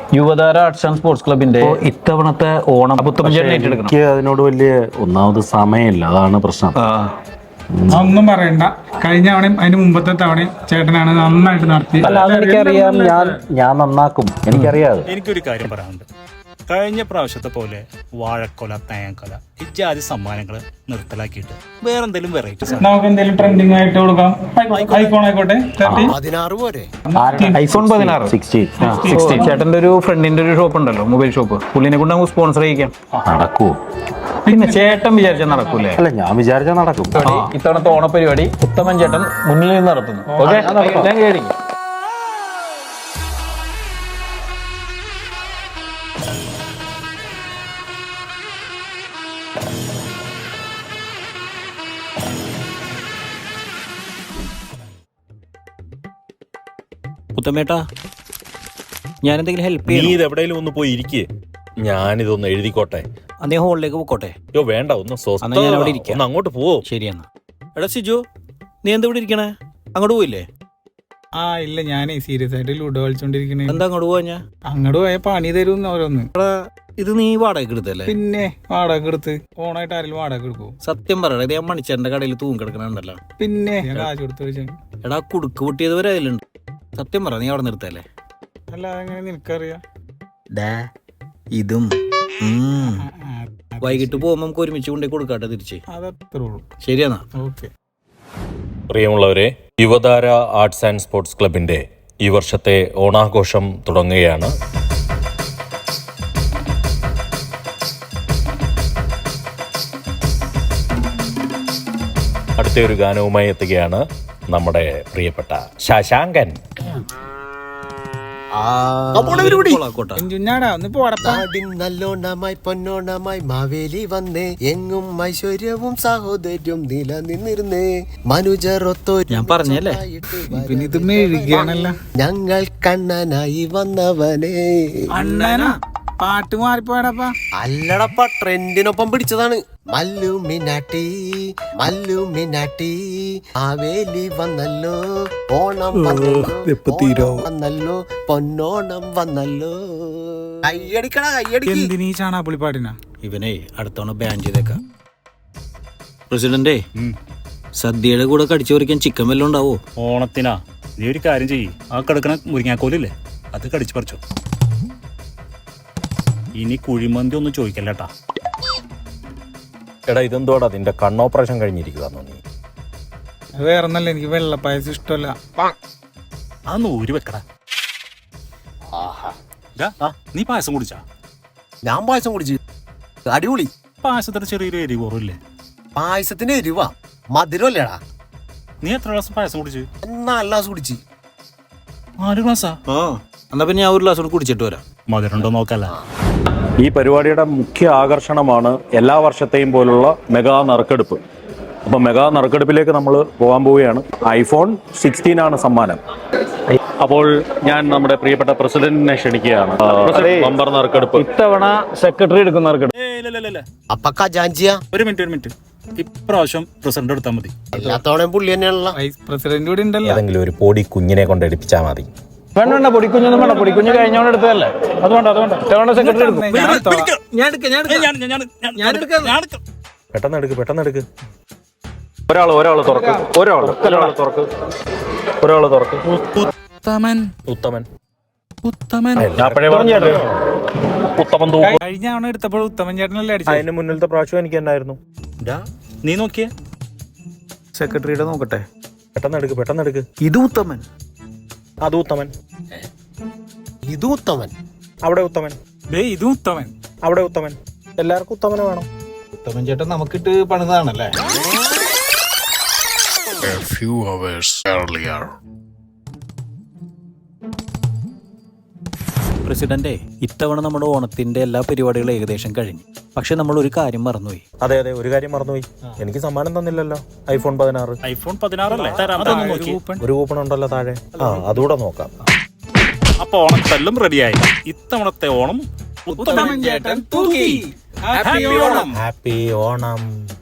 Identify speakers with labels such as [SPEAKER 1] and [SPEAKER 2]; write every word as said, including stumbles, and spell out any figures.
[SPEAKER 1] യുവതാര arts and sports ക്ലബിന്റെ ഇത്തവണത്തെ ഓണം
[SPEAKER 2] എനിക്ക് അതിനോട് വലിയ ഒന്നാമത് സമയമില്ല, അതാണ് പ്രശ്നം.
[SPEAKER 3] ഒന്നും പറയണ്ട. കഴിഞ്ഞ തവണയും അതിന് മുമ്പത്തെ തവണയും ചേട്ടനാണ് നന്നായിട്ട് നടത്തി.
[SPEAKER 2] എനിക്കറിയാം, ഞാൻ ഞാൻ നന്നാക്കും, എനിക്കറിയാം.
[SPEAKER 4] എനിക്കൊരു കാര്യം പറയാനുണ്ട്. കഴിഞ്ഞ പ്രാവശ്യത്തെ പോലെ വാഴക്കൊല, തേങ്ങക്കൊല ഇത്യാദി സമ്മാനങ്ങള് നിർത്തലാക്കിയിട്ട് വേറെ എന്തെങ്കിലും വെറൈറ്റി
[SPEAKER 3] നമുക്ക് എന്തെങ്കിലും ട്രെൻഡിങ് ആയിട്ട് കൊടുക്കാം. ഐഫോൺ ആയിക്കോട്ടെ.
[SPEAKER 1] ഐഫോൺ പതിനാറ് ചേട്ടന്റെ ഒരു ഫ്രണ്ടിന്റെ ഒരു ഷോപ്പ് ഉണ്ടല്ലോ, മൊബൈൽ ഷോപ്പ്, പുള്ളിനെ കൊണ്ട് നമുക്ക് സ്പോൺസർ ചെയ്യിക്കാം.
[SPEAKER 2] നടക്കൂ?
[SPEAKER 1] പിന്നെ ചേട്ടൻ വിചാരിച്ചാൽ നടക്കൂലേ?
[SPEAKER 2] അല്ല, ഞാൻ വിചാരിച്ചാൽ നടക്കും.
[SPEAKER 1] ഇത്തവണത്തെ ഓണപരിപാടി ഉത്തമൻ ചേട്ടൻ മുന്നിൽ നിന്ന് നടത്തുന്നു. ഓക്കെ,
[SPEAKER 5] ഉത്തമേട്ടാ, ഞാൻ എന്തെങ്കിലും ഹെൽപ്പ്
[SPEAKER 6] നീ ഇത് എവിടെയെങ്കിലും ഒന്ന് പോയി ഇരിക്കേ, ഞാനിതൊന്ന് എഴുതിക്കോട്ടെ.
[SPEAKER 5] അദ്ദേഹം ഹോളിലേക്ക് പോയിക്കോട്ടെ.
[SPEAKER 6] യോ വേണ്ട, ഒന്ന്
[SPEAKER 5] ഞാൻ അവിടെ ഇരിക്കാം.
[SPEAKER 6] ഒന്ന് അങ്ങോട്ട് പോവോ?
[SPEAKER 5] ശരി എന്നാ. എടാ സിജു, നീ എന്താ ഇവിടെ ഇരിക്കണേ? അങ്ങോട്ട് പോയില്ലേ?
[SPEAKER 3] ആ ഇല്ല, ഞാനേ സീരിയസ് ആയിട്ട് ലൂഡോ കളിച്ചോണ്ടിരിക്കണേ.
[SPEAKER 5] എന്താ അങ്ങോട്ട് പോവാ? ഞാൻ
[SPEAKER 3] അങ്ങോട്ട് പോയ പണി തരും ഓരോന്ന്.
[SPEAKER 5] ഇത് നീ വാടക എടുത്തല്ലേ?
[SPEAKER 3] പിന്നെ വാടക എടുത്ത് ഓണായിട്ട് ആരെങ്കിലും വാടക എടുക്കും?
[SPEAKER 5] സത്യം പറയണ, ഇത് ഞാൻ മണിച്ചേട്ടന്റെ കടയിൽ തൂങ്ങി കിടക്കണുണ്ടല്ലോ.
[SPEAKER 3] പിന്നെ കാശ് കൊടുത്ത്
[SPEAKER 5] എടാ, കുടുക്ക് പൊട്ടിയത് വരെ അതിലുണ്ട്. സത്യം പറ, നീ അവിടെ നിർത്തല്ലേ?
[SPEAKER 3] അല്ല, അതെങ്ങനെ നിനക്കറിയാം?
[SPEAKER 5] ഇതും വൈകിട്ട് പോകുമ്പോ നമുക്ക് ഒരുമിച്ച് കൊണ്ടേ കൊടുക്കാട്ടെ തിരിച്ച്.
[SPEAKER 3] അതത്രേ ഉള്ളൂ.
[SPEAKER 5] ശരിയെന്നാ.
[SPEAKER 3] ഓക്കെ.
[SPEAKER 6] പ്രിയമുള്ളവരെ, യുവതാര ആർട്സ് ആൻഡ് സ്പോർട്സ് ക്ലബിന്റെ ഈ വർഷത്തെ ഓണാഘോഷം തുടങ്ങുകയാണ്. അടുത്ത ഒരു ഗാനവുമായി എത്തുകയാണ് നമ്മുടെ പ്രിയപ്പെട്ട ശശാങ്കൻ.
[SPEAKER 7] നല്ലോണമായി പൊന്നോണമായി മാവേലി വന്നേ, എങ്ങും ഐശ്വര്യവും സഹോദര്യവും നിലനിന്നിരുന്നേ, മനുജറൊത്തോ
[SPEAKER 5] ഞാൻ പറഞ്ഞല്ലേ.
[SPEAKER 3] പിന്നെ ഇത് മെഴുകിയാണല്ലോ.
[SPEAKER 7] ഞങ്ങൾ കണ്ണനായി വന്നവനെ.
[SPEAKER 3] അണ്ണനാ പാട്ട് മാറിപ്പോയടപ്പാ.
[SPEAKER 7] അല്ലടപ്പ, ട്രെൻഡിനൊപ്പം പിടിച്ചതാണ്. മല്ലു മിനാട്ടി മല്ലു മിനാട്ടി മാവേലി വന്നല്ലോ, ഓണം വന്നല്ലോ, വന്നല്ലോ പൊന്നോണം വന്നല്ലോ. കയ്യടിക്കട കയ്യടി.
[SPEAKER 3] എന്തിനീ ചാണാപ്പുളി പാട്ടിനാ?
[SPEAKER 5] ഇവനെ അടുത്തവണ ബാൻ ചെയ്തേക്കാം. പ്രസിഡന്റേ, സദ്യയുടെ കൂടെ കടിച്ചു പറിക്കാൻ ചിക്കൻ വല്ലതും ഉണ്ടാവോ?
[SPEAKER 4] ഓണത്തിനാ നീ ഒരു കാര്യം ചെയ്യ്, ആ കിടക്കണ മുരിങ്ങാക്കോലില്ലേ അത് കടിച്ചു പറിച്ചോ. ഇനി കുഴിമന്തി ഒന്നും ചോദിക്കല്ലേട്ടാ.
[SPEAKER 6] എടാ, ഇതെന്തോടാ നിന്റെ കണ്ണോപ്പറേഷൻ കഴിഞ്ഞിരിക്കുകയാണോ നീ?
[SPEAKER 3] വേറൊന്നല്ല, എനിക്ക് വെള്ളപ്പായസം ഇഷ്ടമല്ല.
[SPEAKER 4] അതൊന്ന് ഊരി വെക്കടാ. നീ പായസം കുടിച്ചാ?
[SPEAKER 7] ഞാൻ പായസം കുടിച്ചു, അടിപൊളി.
[SPEAKER 4] പായസത്തിന് ചെറിയൊരു എരിവ് കുറവില്ലേ?
[SPEAKER 7] പായസത്തിന് എരിവാ, മധുരമല്ലേടാ.
[SPEAKER 4] നീ എത്ര ഗ്ലാസ് പായസം കുടിച്ചു?
[SPEAKER 7] നാല് ഗ്ലാസ് കുടിച്ചു.
[SPEAKER 4] നാല് ഗ്ലാസാ?
[SPEAKER 5] ആ, എന്നാ പിന്നെ ഞാൻ ഒരു ഗ്ലാസ് കൂടി കുടിച്ചിട്ട് വരാം.
[SPEAKER 4] മധുരണ്ടോ നോക്കല്ല.
[SPEAKER 2] ഈ പരിപാടിയുടെ മുഖ്യ ആകർഷണമാണ് എല്ലാ വർഷത്തെയും പോലുള്ള മെഗാ നറുക്കെടുപ്പ്. അപ്പം മെഗാ നറുക്കെടുപ്പിലേക്ക് നമ്മൾ പോകാൻ പോവുകയാണ്. ഐഫോൺ സിക്സ്റ്റീൻ ആണ് സമ്മാനം. അപ്പോൾ ഞാൻ നമ്മുടെ പ്രിയപ്പെട്ട പ്രസിഡന്റിനെ ക്ഷണിക്കുകയാണ്. ബമ്പർ നറുക്കെടുപ്പ്
[SPEAKER 1] ഇത്തവണ സെക്രട്ടറി എടുക്കുന്ന നറുക്കെടുപ്പ്.
[SPEAKER 7] അപ്പൊ ഖജാൻജിയാ?
[SPEAKER 4] ഒരു മിനിറ്റ് ഒരു മിനിറ്റ് ഇപ്രാവശ്യം പ്രസിഡന്റ് എടുത്താൽ മതി.
[SPEAKER 7] എല്ലാത്തോടെയും പുള്ളി തന്നെയാണല്ലോ.
[SPEAKER 3] വൈസ് പ്രസിഡന്റ് കൂടി ഉണ്ടല്ലോ.
[SPEAKER 6] ഏതെങ്കിലും ഒരു പൊടി കുഞ്ഞിനെ കൊണ്ട് എടുപ്പിച്ചാൽ മതി.
[SPEAKER 1] വേണ്ട വേണ്ട, പൊടിക്കുഞ്ഞൊന്നും വേണ്ട. പൊടിക്കുഞ്ഞ് കഴിഞ്ഞോണ്ട് എടുത്തതല്ലേ, അതുകൊണ്ട് അതുകൊണ്ട് ഇത്തവണ സെക്രട്ടറി എടുക്കും.
[SPEAKER 6] പെട്ടെന്ന് എടുക്ക്, പെട്ടെന്ന് എടുക്ക്.
[SPEAKER 2] ഒരാൾ ഒരാൾ തുറക്ക് ഒരാൾ ഒരാൾ തുറക്ക് ഒരാൾ തുറക്ക്
[SPEAKER 4] ഉത്തമൻ
[SPEAKER 6] ഉത്തമൻ
[SPEAKER 4] ഉത്തമൻ
[SPEAKER 6] ഉത്തമൻ തൂക്കും.
[SPEAKER 3] കഴിഞ്ഞ തവണ എടുത്തപ്പോൾ ഉത്തമൻ ചേട്ടനല്ലേ അടിച്ചത്?
[SPEAKER 6] അതിന് മുന്നിലത്തെ പ്രാവശ്യം എനിക്ക് എന്നായിരുന്നു.
[SPEAKER 4] നീ നോക്കിയേ.
[SPEAKER 1] സെക്രട്ടറിയുടെ നോക്കട്ടെ.
[SPEAKER 6] പെട്ടെന്ന് എടുക്ക്, പെട്ടെന്ന് എടുക്ക്.
[SPEAKER 1] ഇത് ഉത്തമൻ,
[SPEAKER 6] അത് ഉത്തമൻ,
[SPEAKER 7] ഇത് ഉത്തമൻ,
[SPEAKER 6] അവിടെ ഉത്തമൻ,
[SPEAKER 3] ഇത് ഉത്തമൻ,
[SPEAKER 6] അവിടെ ഉത്തമൻ. എല്ലാവർക്കും ഉത്തമന് വേണം.
[SPEAKER 1] ഉത്തമൻ ചേട്ടൻ നമുക്കിട്ട് പണിതാണല്ലേ.
[SPEAKER 5] പ്രസിഡന്റേ, ഇത്തവണ നമ്മുടെ ഓണത്തിന്റെ എല്ലാ പരിപാടികളും ഏകദേശം കഴിഞ്ഞു. പക്ഷെ നമ്മൾ ഒരു കാര്യം മറന്നുപോയി.
[SPEAKER 6] അതെ അതെ, ഒരു കാര്യം മറന്നുപോയി. എനിക്ക് സമ്മാനം തന്നില്ലല്ലോ, ഐഫോൺ പതിനാറ്.
[SPEAKER 4] ഐഫോൺ പതിനാറല്ലേ?
[SPEAKER 6] ഒരു കൂപ്പൺ ഉണ്ടല്ലോ താഴെ, ആ അതുകൂടെ നോക്കാം.
[SPEAKER 4] അപ്പൊ ഓണത്തെല്ലാം റെഡിയായി. ഇത്തവണത്തെ ഓണം
[SPEAKER 3] ഉത്തമൻ ചേട്ടൻ തൂക്കി. ഹാപ്പി ഓണം.
[SPEAKER 6] ഹാപ്പി ഓണം.